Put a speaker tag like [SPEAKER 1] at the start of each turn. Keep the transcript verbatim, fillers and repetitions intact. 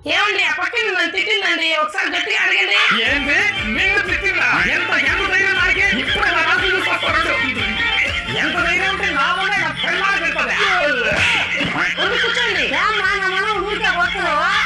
[SPEAKER 1] ఏమండి ఆ పక్కన నన్ను తిట్టిందండి, ఒకసారి గట్టిగా అడగండి.
[SPEAKER 2] ఏంటి నిన్ను తిట్టిందా? ఎంత ఎంత ధైర్యం నాకే? ఇప్పుడు నా రాజు చూస్తాడు. ఎంత ధైర్యం ఉంటే నా వల్ల నా పెళ్ళాలు పెడతాదా?
[SPEAKER 1] కూర్చోండి.
[SPEAKER 3] ఏమ్మా నా మనం ఊరికే వస్తున్నావా?